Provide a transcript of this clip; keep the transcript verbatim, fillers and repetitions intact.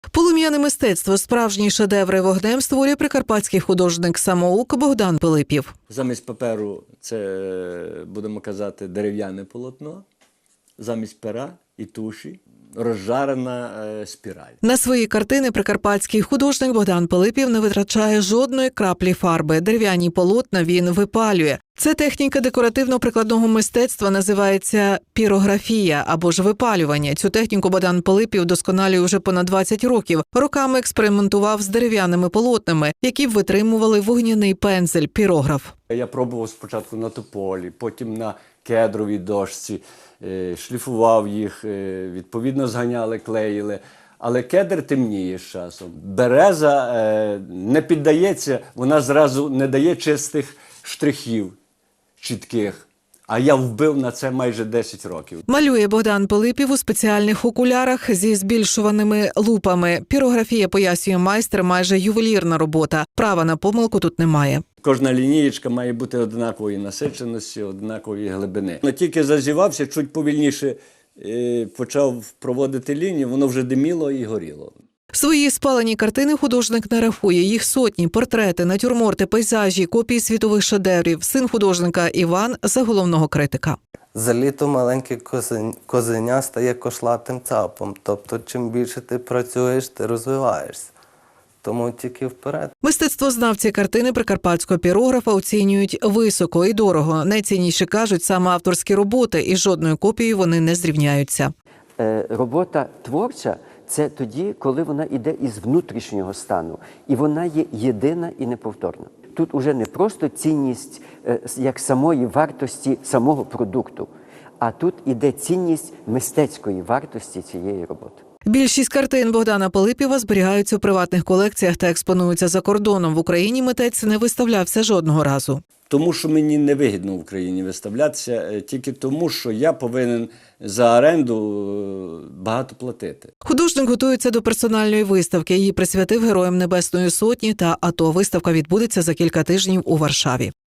Полум'яне мистецтво – справжні шедеври вогнем створює прикарпатський художник-самоук Богдан Пилипів. Замість паперу це, будемо казати, дерев'яне полотно, замість пера і туші розжарена спіраль. На свої картини прикарпатський художник Богдан Пилипів не витрачає жодної краплі фарби. Дерев'яні полотна він випалює. Ця техніка декоративно-прикладного мистецтва називається пірографія або ж випалювання. Цю техніку Богдан Пилипів досконалює вже понад двадцять років. Роками експериментував з дерев'яними полотнами, які б витримували вогняний пензель, пірограф. Я пробував спочатку на тополі, потім на кедровій дошці, шліфував їх, відповідно зганяли, клеїли. Але кедр темніє з часом. Береза не піддається, вона зразу не дає чистих штрихів чітких. А я вбив на це майже десять років. Малює Богдан Пилипів у спеціальних окулярах зі збільшуваними лупами. Пірографія, пояснює майстер, майже ювелірна робота. Права на помилку тут немає. Кожна лінієчка має бути однакової насиченості, однакової глибини. Но тільки зазівався, чуть повільніше почав проводити лінію, воно вже диміло і горіло. Свої спалені картини художник не рахує. Їх сотні: портрети, натюрморти, пейзажі, копії світових шедеврів. Син художника Іван за головного критика. За літо маленьке козеня стає кошлатим цапом. Тобто, чим більше ти працюєш, ти розвиваєшся. Тому тільки вперед. Мистецтвознавці картини прикарпатського пірографа оцінюють високо і дорого. Найцінніші, кажуть, саме авторські роботи, і жодною копією вони не зрівняються. Е, робота творча – це тоді, коли вона йде із внутрішнього стану. І вона є єдина і неповторна. Тут уже не просто цінність е, як самої вартості самого продукту, а тут іде цінність мистецької вартості цієї роботи. Більшість картин Богдана Пилипіва зберігаються у приватних колекціях та експонуються за кордоном. В Україні митець не виставлявся жодного разу. Тому що мені невигідно в Україні виставлятися, тільки тому, що я повинен за оренду багато платити. Художник готується до персональної виставки. Її присвятив Героям Небесної Сотні та АТО. Виставка відбудеться за кілька тижнів у Варшаві.